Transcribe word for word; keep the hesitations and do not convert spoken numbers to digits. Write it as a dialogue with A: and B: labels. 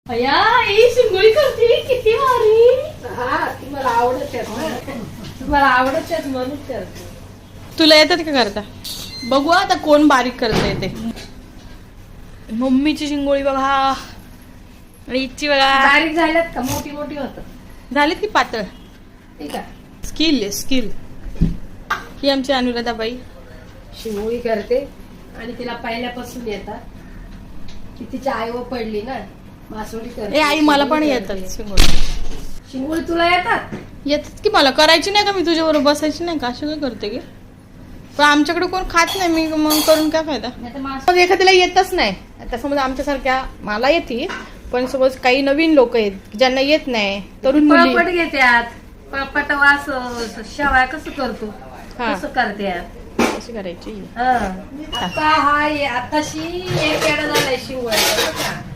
A: अया ही शिंगोळी करते किती भारी.
B: हा ती मला आवडत आहे, मला आवडत आहे म्हणून करते.
A: तुला येतात का करता? बघू आता कोण बारीक करता येते. मम्मीची शिंगोळी बघा आणि इच्छी बघा.
B: बारीक झाल्यात का मोठी मोठी होत
A: झालीत की पातळ?
B: ठीक आहे.
A: स्किल आहे स्किल. ही आमची अनुराधाबाई
B: शिंगोळी करते आणि तिला पहिल्यापासून येतात. की तिची आई व पडली ना मासोळी करते.
A: ए आई मला पण येतात शिंगोळी.
B: शिंगोळी तुला येतात?
A: येतात की मला. करायची नाही का मी तुझ्याबरोबर बसायची नाही का? अशी काय करते की? पण आमच्याकडे कोण खात नाही, मी मग करून काय फायदा. मग एखाद्याला येतच नाही. आता समज आमच्यासारख्या मला येते, पण समज काही नवीन लोक आहेत ज्यांना येत नाही, तरुण मुली
B: पळपट घेत्यात. पळपट वास शेवाय कसं करतो
A: हा.
B: कसं करत्यात.
A: कशी करायची.
B: हा. आता हा ये- आताशी एक येडा झालाय शिंगोळ्याचा.